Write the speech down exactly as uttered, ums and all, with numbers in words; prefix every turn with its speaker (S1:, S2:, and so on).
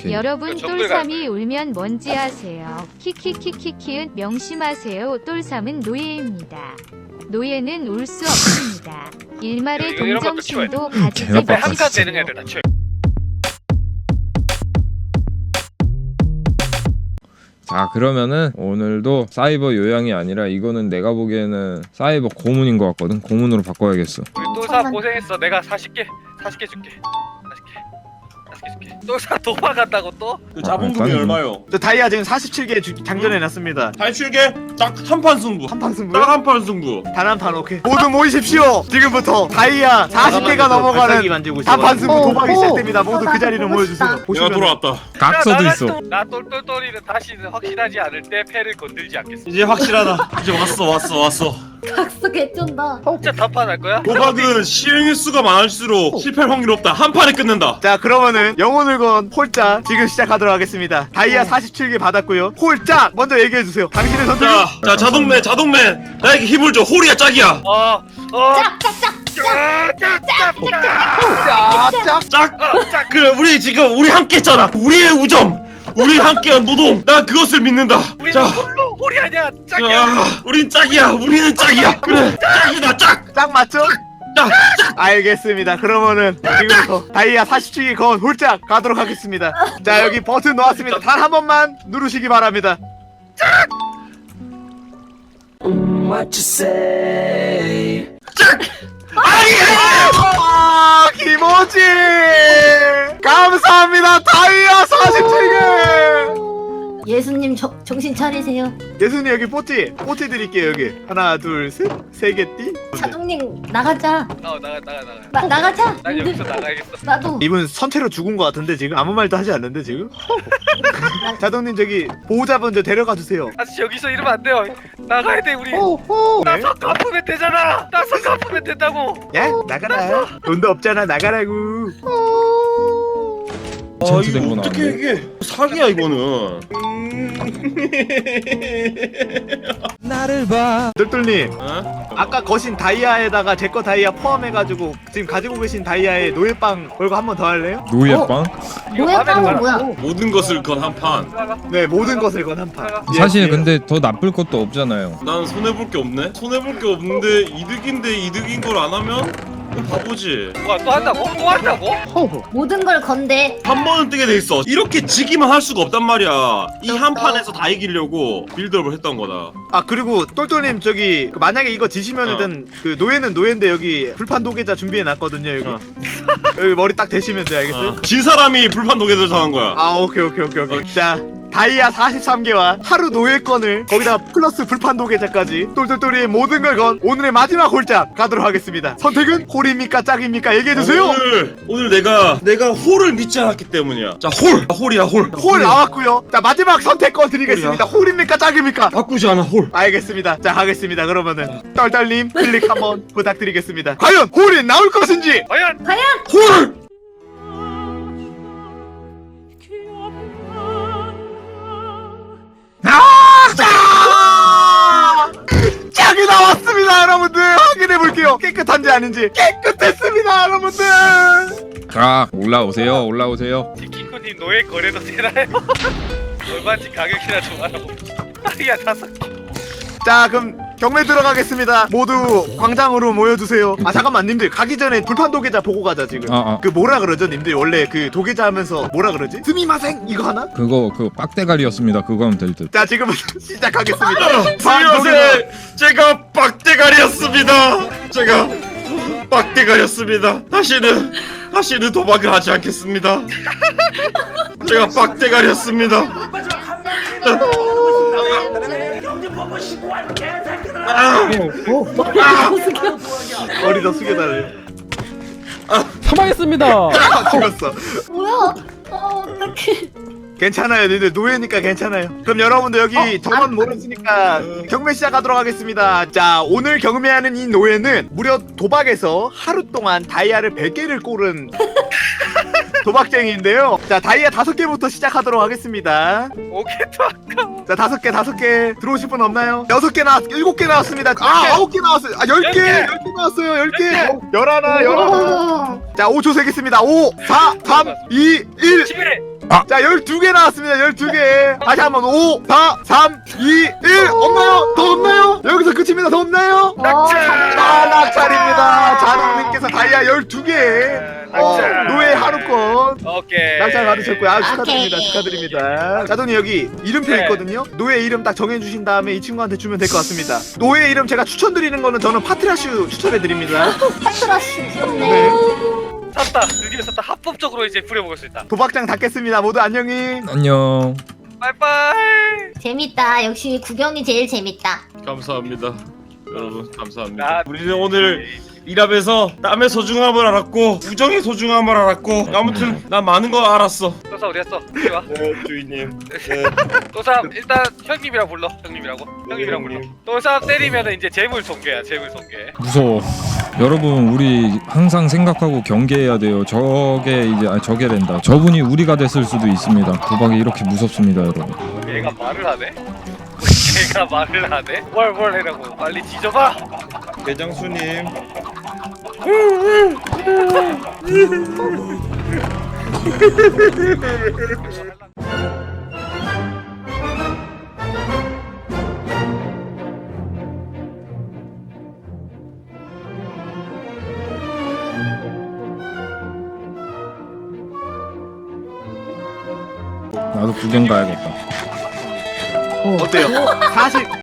S1: 오케이.
S2: 여러분 똘삼이 울면 뭔지 아세요? 키키키키키은 명심하세요. 똘삼은 노예입니다. 노예는 울 수 없습니다. 일말의
S3: 이거 이런 것도
S2: 동정심도
S1: 개나
S2: 가지지
S1: 빡빡
S3: 한칸
S2: 마십시오.
S3: 되는 애들 다 치워.
S1: 자, 그러면은 오늘도 사이버 요양이 아니라 이거는 내가 보기에는 사이버 고문인 것 같거든. 고문으로 바꿔야겠어.
S3: 우리 똘사 고생했어. 내가 사십 개 사십 개 줄게. 사십 개 사십 개 줄게. 똘사 도망간다고 또?
S4: 그 자본금이
S1: 일단은-
S4: 얼마요?
S5: 저 다이아 지금 사십칠 개 장전해놨습니다.
S4: 팔십칠 개? 딱 한 판 승부.
S5: 한 판 승부요?
S4: 딱 한 판 승부.
S5: 단 한 판 오케이. 모두 모이십시오. 지금부터 다이아 사십 개가 넘어가는 단판 승부 도박이 시작됩니다. 모두 그 자리로 모여주세요.
S4: 내가
S5: 보시면
S4: 돌아왔다.
S1: 각서도 있어.
S3: 나 똘똘똘이는 다시는 확실하지 않을 때 패를 건들지 않겠어.
S4: 이제 확실하다. 이제 왔어 왔어 왔어.
S6: 각서 개쩐다.
S3: 진짜 단판할 거야?
S4: 도박은 실행 수가 많을수록 실패할 확률 없다. 한 판에 끝낸다.
S5: 자 그러면은 영혼을 건 홀짝 지금 시작하도록 하겠습니다. 다이아 사십칠 개 받았고요. 홀짝 먼저 얘기해주세요. 당신의 선택.
S4: 자, 자 자동맨 자동맨 나에게 힘을 줘. 홀이야 짝이야.
S3: 어, 어,
S6: 짝짝짝.
S5: 짝짝.
S4: 짝. 그래 우리 지금 우리 함께 했잖아. 우리의 우정. 우리 함께한 노동. 나 그것을 믿는다.
S3: 우리는
S4: 자,
S3: 홀로 홀이 아니야. 짝이야.
S4: 자, 우린 짝이야. 우리는 짝이야. 그래 짝이다 짝.
S5: 짝 맞죠?
S4: 짝.
S5: 알겠습니다. 그러면은 지금부터 다이아 사십칠 개 건 홀짝 가도록 하겠습니다. 자 여기 버튼 놓았습니다. 단 한 번만 누르시기 바랍니다. 아 김오지 감사합니다. 다이아 사십칠 개.
S6: 예수님 저, 정신 차리세요.
S5: 예수님 여기 뽀찌 뽀찌 드릴게요. 여기 하나 둘셋세 개띠.
S6: 자동님 나가자.
S3: 어, 나가 나가 나가.
S6: 나 나가자.
S3: 난 여기서 나가야겠어.
S6: 나도.
S5: 이분 선체로 죽은 것 같은데 지금 아무 말도 하지 않는데 지금. 자동님 저기 보호자분 저 데려가 주세요.
S3: 아저씨 여기서 이러면 안 돼요. 나가야 돼 우리.
S6: 오호.
S3: 나 석 갚으면 되잖아. 나 석 갚으면 된다고.
S5: 야 나가라. 돈도 없잖아 나가라고.
S4: 아
S1: 젠트
S4: 이거
S1: 된거
S4: 어떻게
S1: 나왔네.
S4: 이게 사기야 이거는.
S1: 나를 봐.
S5: 똘똘님
S4: 어?
S5: 아까 거신 다이아에다가 제 거 다이아 포함해가지고 지금 가지고 계신 다이아에 노예빵 걸고 한 번 더 할래요?
S1: 노예빵?
S3: 이거
S6: 뭐야
S3: 화면에
S6: 빵은
S3: 봐라.
S6: 뭐야?
S4: 모든 것을 건 한 판.
S3: 나가.
S5: 네 모든 것을 건 한 판. 예,
S1: 사실
S5: 예.
S1: 근데 더 나쁠 것도 없잖아요.
S4: 난 손해볼 게 없네? 손해볼 게 없는데 이득인데 이득인 걸 안 하면 바보지.
S3: 뭐야 또 한다고? 또 한다고?
S5: 허허.
S6: 모든 걸 건데.
S4: 한 번은 뜨게 돼 있어. 이렇게 지기만 할 수가 없단 말이야. 이 한 판에서 다 이기려고 빌드업을 했던 거다.
S5: 아 그리고 똘똘님 저기 그 만약에 이거 지시면은 그 노예는 노예인데 여기 불판 도계자 준비해 놨거든요 여기.
S4: 어.
S5: 여기 머리 딱 대시면 돼 알겠어요?
S4: 어. 진 사람이 불판 도개들 정한 거야.
S5: 아 오케이 오케이 오케이 오케이. 자 다이아 사십삼 개와 하루 노예권을 거기다 플러스 불판 도계자까지 똘똘똘이의 모든 걸 건 오늘의 마지막 홀짝 가도록 하겠습니다. 선택은 홀입니까 짝입니까 얘기해주세요.
S4: 오늘 오늘 내가 내가 홀을 믿지 않았기 때문이야. 자 홀. 홀이야 홀.
S5: 홀 나왔고요. 자 마지막 선택권 드리겠습니다. 홀입니까 짝입니까?
S4: 바꾸지 않아 홀.
S5: 알겠습니다. 자 하겠습니다. 그러면은 떨떨님 클릭 한번 부탁드리겠습니다. 과연 홀이 나올 것인지.
S3: 과연
S4: 홀.
S5: 아! 짝이 나왔습니다, 여러분들. 확인해 볼게요. 깨끗한지 아닌지. 깨끗했습니다, 여러분들.
S1: 자, 올라오세요. 올라오세요.
S3: 지키코님 노예 거래도 되나요? 얼마인지 가격이나 좀 알아봅시다. 야 다섯 개.
S5: 자, 그럼 경매 들어가겠습니다. 모두 광장으로 모여주세요. 아 잠깐만, 님들 가기 전에 불판 도계자 보고 가자 지금.
S1: 어, 어.
S5: 그 뭐라 그러죠, 님들 원래 그 도계자 하면서 뭐라 그러지? 스미마생 이거 하나?
S1: 그거 그 빡대가리였습니다. 그거 하면 될 듯.
S5: 자, 지금부터 시작하겠습니다. 불판 도계자.
S4: 안녕하세요. 제가 빡대가리였습니다. 제가 빡대가리였습니다. 다시는 다시는 도박을 하지 않겠습니다. 제가 빡대가리였습니다. 아,
S5: 머리 더 숙여달래.
S7: 사망했습니다.
S5: 아, 죽었어.
S6: 뭐야? 어 어떡해.
S5: 괜찮아요, 니들 노예니까 괜찮아요. 그럼 여러분들 여기 전원 모르시니까 경매 시작하도록 하겠습니다. 자, 오늘 경매하는 이 노예는 무려 도박에서 하루 동안 다이아를 백 개를 꼬른 도박쟁이인데요. 자, 다이아 다섯 개부터 시작하도록 하겠습니다.
S3: 오케이도 아까워.
S5: 자, 다섯 개, 다섯 개 들어오실 분 없나요? 여섯 개 나왔, 일곱 개 나왔습니다. 아, 아홉 개 나왔어요. 아, 열 개, 열 개 나왔어요. 열 개, 열하나, 열하나.
S6: 와.
S5: 자, 오 초 세겠습니다. 오, 사, 삼, 이, 일.
S3: 십일 회.
S1: 아.
S5: 자 열두 개 나왔습니다. 열두 개. 다시 한번 오, 사, 삼, 이, 일. 없나요? 더 없나요? 여기서 끝입니다. 더 없나요?
S6: 어,
S5: 아 낙찰입니다. 잔홍님께서 다이아 열두 개. 어, 노예 하루권
S3: 오케이.
S5: 낙찰 받으셨고요. 아, 축하드립니다.
S6: 오케이.
S5: 축하드립니다. 자동님 여기 이름표
S3: 네.
S5: 있거든요. 노예 이름 딱 정해주신 다음에 이 친구한테 주면 될 것 같습니다. 노예 이름 제가 추천드리는 거는 저는 파트라슈 추천해드립니다.
S6: 파트라시 귀엽네.
S5: 네.
S3: 샀다. 드디어 샀다. 합법적으로 이제 부려먹을 수 있다.
S5: 도박장 닫겠습니다. 모두 안녕히.
S1: 안녕.
S3: 빠이빠이.
S6: 재밌다. 역시 구경이 제일 재밌다.
S4: 감사합니다. 여러분 감사합니다.
S3: 나-
S4: 우리는 오늘 일하면서 땀의 소중함을 알았고 우정의 소중함을 알았고 아무튼 난 많은 거 알았어.
S3: 또사 어디 갔어? 이리 와.
S4: 네 주인님. 네.
S3: 또사 일단 형님이랑 불러. 형님이라고. 형님이랑 불러. 또사 때리면은 이제 재물 손괴야. 재물 손괴.
S1: 무서워. 여러분 우리 항상 생각하고 경계해야 돼요. 저게 이제 아 저게랜다. 저분이 우리가 됐을 수도 있습니다. 도박이 이렇게 무섭습니다, 여러분.
S3: 얘가 말을 하네. 얘가 말을 하네. 뭘뭘 해라고. 빨리 뒤져봐.
S4: 대장수님.
S1: 나도 구경 가야겠다.
S5: 어때요? 사실